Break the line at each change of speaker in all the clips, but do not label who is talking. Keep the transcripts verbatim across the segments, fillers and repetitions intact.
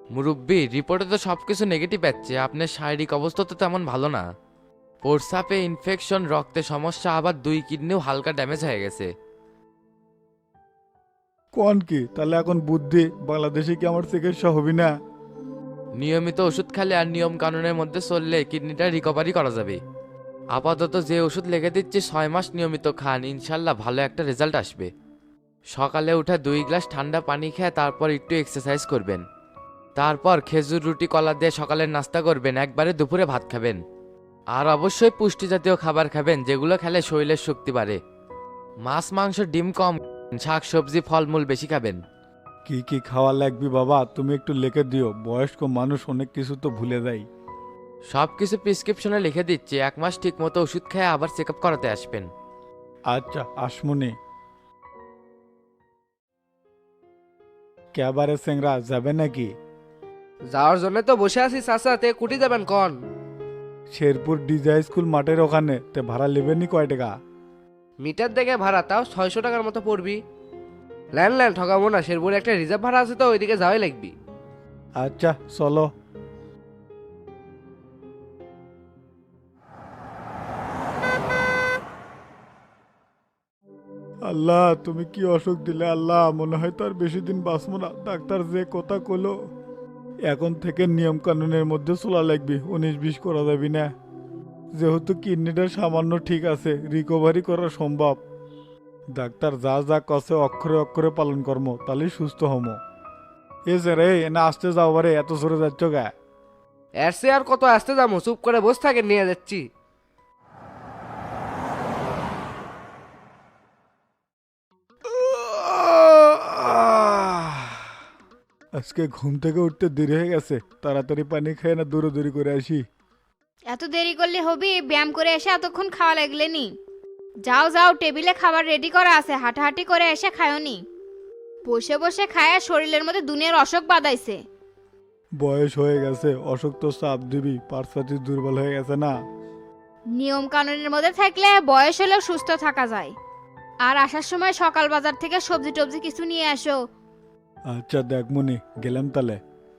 মুরব্বি রিপোর্টে তো সব কিছু নেগেটিভ পাচ্ছে, আপনার শারীরিক অবস্থা তো তেমন ভালো না। প্রস্রাবে ইনফেকশন, রক্তে সমস্যা, আবার দুই কিডনিও হালকা ড্যামেজ হয়ে গেছে।
কোন কি তাহলে এখন বুদ্ধি বাংলাদেশে কি আমার চিকিৎসা হবি না?
নিয়মিত ওষুধ খেলে আর নিয়ম কানুনের মধ্যে চললে কিডনিটা রিকভারি করা যাবে। আপাতত যে ওষুধ লিখে দিচ্ছি ছয় মাস নিয়মিত খান, ইনশাল্লাহ ভালো একটা রেজাল্ট আসবে। সকালে উঠে দুই গ্লাস ঠান্ডা পানি খেয়ে তারপর একটু এক্সারসাইজ করবেন। তারপর খেজুর রুটি কলা দিয়ে সকালের নাস্তা করবেন, একবারে দুপুরে ভাত খাবেন। আর অবশ্যই পুষ্টি জাতীয় খাবার খাবেন, যেগুলো খেলে শরীরের শক্তি বাড়ে। মাছ মাংস ডিম কম, শাক সবজি ফলমূল বেশি খাবেন।
কি কি খাওয়া লাগবে বাবা তুমি একটু লিখে দিও, বয়স্ক মানুষ অনেক কিছু তো ভুলে যায়।
সব কিছু প্রেসক্রিপশনে লিখে দিচ্ছি, এক মাস ঠিক মতো ওষুধ খেয়ে আবার চেক আপ করাতে আসবেন।
আচ্ছা আসমনি। ক্যাবারে সেংরা যাবে নাকি?
যাওয়ার জন্য তো বসে আছি চাচা, তে কুটি যাবেন কন?
শেরপুর ডিজে স্কুল মাঠের ওখানে তে ভাড়া নেবেনি কয় টাকা?
মিটার দেখে ভাড়া তাও ছয়শো টাকার মতো পড়বি। ল্যান্ড ল্যান্ড ঠকাবো না, শেরপুরে একটা রিজার্ভ ভাড়া আছে তো ওইদিকে যাওয়াই লাগবি।
আচ্ছা চলো। আল্লাহ তুমি কি অসুখ দিলে আল্লাহ, মনে হয় তো আর বেশি দিন বাঁচবো না। ডাক্তার যে কথা কইলো এখন থেকে নিয়ম কানুনের মধ্যে চলা লাগবে, উনিশ বিশ করা যাবি না। যেহেতু কিডনিটা সামান্য ঠিক আছে, রিকভারি করা সম্ভব। ডাক্তার যা যা কছে অক্ষরে অক্ষরে পালন কর্ম, তাহলেই সুস্থ হমো। এ যে রে এনে আসতে যাও বারে, এত জোরে যাচ্ছ গা?
এর সে আর কত আসতে যাবো, চুপ করে বসে থাকে নিয়ে যাচ্ছি।
আজকে ঘুম থেকে উঠতে দেরি হয়ে গেছে, তাড়াতাড়ি পানি খেয়ে না দৌড়াদৌড়ি করে আসি।
এত দেরি করলে হবি? ব্যায়াম করে এসে এতক্ষণ খাওয়া লাগলে নি? যাও যাও, টেবিলে খাবার রেডি করা আছে, হাঁটাহাঁটি করে এসে খায়নি। বসে বসে খায়া শরীরের মধ্যে দুনিয়ার অসুখ বাদাইছে।
বয়স হয়ে গেছে, অসুখ তো চাপ দিবি, পার্সপাতি দুর্বল হয়ে গেছে না।
নিয়ম কানুনের মধ্যে থাকলে বয়স হলেও সুস্থ থাকা যায়। আর আসার সময় সকাল বাজার থেকে সবজি টবজি কিছু নিয়ে আসো।
আচ্ছা দেখ মনি, গেলাম তাহলে।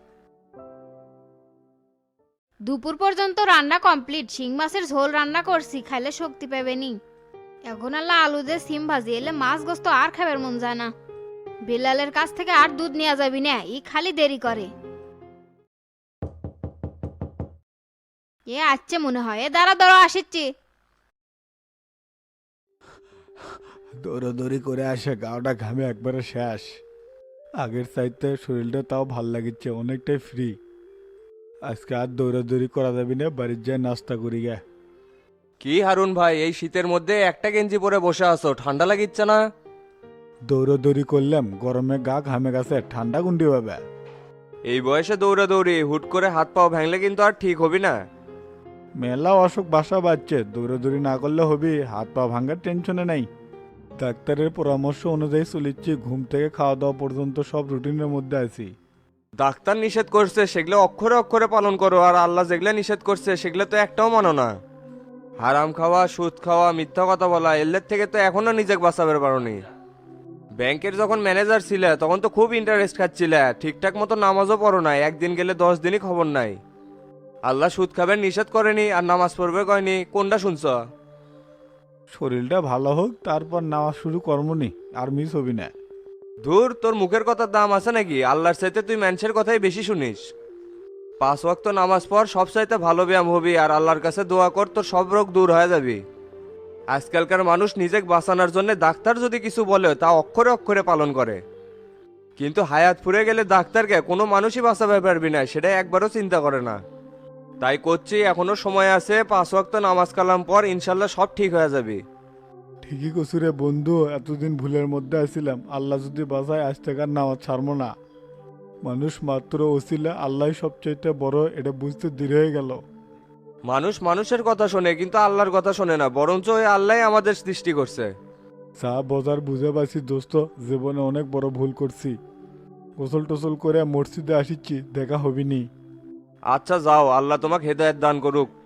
দুপুর পর্যন্ত রান্না কমপ্লিট, শিং মাছের ঝোল রান্না করছি, খাইলে শক্তি পাবেনি। এখন আল্লাহ আলু দিয়ে সিম ভাজি, এলে মাছ গোস্ত আর খাবার মন যায় না। বেলালের কাছ থেকে আর দুধ নেওয়া যাবি না, ই খালি দেরি করে। এ আসছে মনে হয়, এ দাঁড়া দাঁড়া আসিচ্ছি।
দৌড়াদৌড়ি করে আসে গাওটা ঘামে একবারে শেষ। আগের চাইতে শরীরটা তাও ভাল লাগিচ্ছে, অনেকটাই ফ্রি। আজকে আর দৌড়াদৌড়ি করা যাবি না, বাড়ির যায় নাস্তা করি গে।
কি হারুন ভাই, এই শীতের মধ্যে একটা গেঞ্জি পরে বসে আছো, ঠান্ডা লাগিচ্ছে না?
দৌড়াদৌড়ি করলাম, গরমে গা ঘামে গেছে, ঠান্ডা গুন্ডি হবে।
এই বয়সে দৌড়াদৌড়ি হুট করে হাত পাও ভাঙলে কিন্তু আর ঠিক হবি না।
মেলা অসুখ বাসা বাজছে, দৌড়াদৌড়ি না করলে হবি, হাত পা ভাঙার টেনশনে নাই। ডাক্তারের পরামর্শ অনুযায়ী চলিচ্ছি, ঘুম থেকে খাওয়া দাওয়া পর্যন্ত সব রুটিনের মধ্যে আছি।
ডাক্তার নিষেধ করছে সেগুলো অক্ষরে অক্ষরে পালন করো, আর আল্লাহ যেগুলো নিষেধ করছে সেগুলো তো একটাও মানো না। হারাম খাওয়া, সুদ খাওয়া, মিথ্যা কথা বলা, এর থেকে তো এখনো নিজেকে বাঁচাবে পারোনি। ব্যাংকের যখন ম্যানেজার ছিলে তখন তো খুব ইন্টারেস্ট খাচ্ছিলে, ঠিকঠাক মতো নামাজও পড়ো নাই, একদিন গেলে দশ দিনই খবর নাই। আল্লাহ সুদ খাবেন নিষেধ করেনি আর নামাজ পড়বে কয়নি, কোনটা শুনছ?
শরীরটা ভালো হোক তারপর নামাজ শুরু কর্মনি, আর মিস হবি না।
ধুর, তোর মুখের কথার দাম আছে নাকি? আল্লাহর চাইতে তুই মানুষের কথাই বেশি শুনিস। পাঁচ ওয়াক্ত নামাজ পড়, সব চাইতে ভালো ব্যায়াম হবি, আর আল্লাহর কাছে দোয়া কর, তোর সব রোগ দূর হয়ে যাবি। আজকালকার মানুষ নিজেকে বাঁচানোর জন্য ডাক্তার যদি কিছু বলে তা অক্ষরে অক্ষরে পালন করে, কিন্তু হায়াত ফুরে গেলে ডাক্তারকে কোনো মানুষই বাঁচাবে পারবি না, সেটা একবারও চিন্তা করে না। তাই করছি, এখনো সময় আছে, পাঁচ ওয়াক্ত নামাজ কালাম পর, ইনশাল্লাহ সব ঠিক হয়ে যাবে।
ঠিকই কসুরে বন্ধু, এতদিন ভুলের মধ্যে আছিলাম, আল্লাহ যদি বাঁচায় আজ থেকে আর নামাজ ছাড়বো না। মানুষ মাত্র ওসিলা, আল্লাহ সবচাইতে বড়, এটা বুঝতে দেরি হয়ে গেল।
মানুষ মানুষের কথা শোনে কিন্তু আল্লাহর কথা শোনে না, বরঞ্চ ওই আল্লাহ আমাদের সৃষ্টি করছে।
চা বাজার বুঝে পাচ্ছি দোস্ত, জীবনে অনেক বড় ভুল করছি। গোসল টোসল করে মসজিদে আসিচ্ছি, দেখা হবিনি।
আচ্ছা যাও, আল্লাহ তোমাকে হেদায়েত দান করুক।